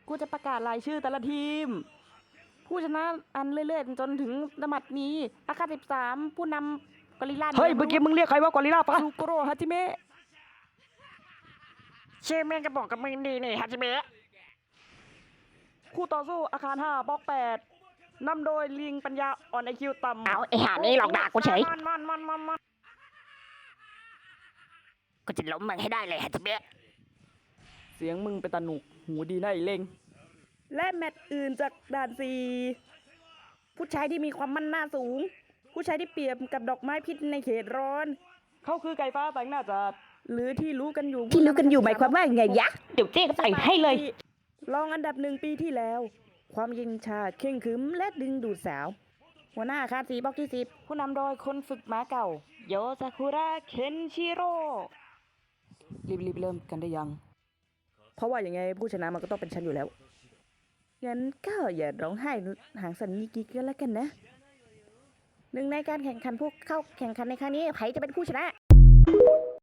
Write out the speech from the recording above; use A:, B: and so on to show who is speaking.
A: กูจะประกาศรายชื่อแต่ละทีมผู้ชนะอันเรื่อยๆจนถึงสมัดนี้อาคา13ผู้นำกอริลลา
B: เฮ้ยเมื่อกี้มึงเรียกใครว่ากอริลลาปะ
A: ซูโกโรฮาจิเมะ
B: เชมแม่งก็บอกกับมึงดีนี่ฮาจิเมะ
A: คู่ต่อสู้อาคาร5บล็อก8นำโดยลิงปัญญาอ่อนไอคิวต่ำ
B: เอาไอ้ห่านี่หลอกด่ากูเฉย
A: มัน
B: กูจะล้มมึงให้ได้เลยฮาจิเมะ
A: เสียงมึงเป็นตาหนุกหูดีนะไอ้เล่งและแมตช์อื่นจากด่าน4ผู้ชายที่มีความมั่นหน้าสูง ผู้ชายที่เปรียบกับดอกไม้พิษในเขตร้อน เขาคือไก่ฟ้าแต่งหน้าจัดหรือที่รู้กันอยู่หมายความว่าไงยะ
B: เดี๋ยวเจ๊ก็ใส่ให้เลย
A: รองอันดับ1ปีที่แล้ว ความยิงชาเข่งขรึมและดึงดูดสาว หัวหน้าอาคาร4บล็อกที่10ผู้นำโดยคนฝึกม้าเก่า โยซากุระเคนชิโร่รีบเริ่มกันได้ยัง เพราะว่าอย่างไงผู้ชนะมันก็ต้องเป็นฉันอยู่แล้ว งั้นก็อย่าร้องไห้หางสันนิกิก็แล้วกันนะหนึ่งในการแข่งขันผู้เข้าแข่งขันในครั้งนี้ใครจะเป็นผู้ชนะ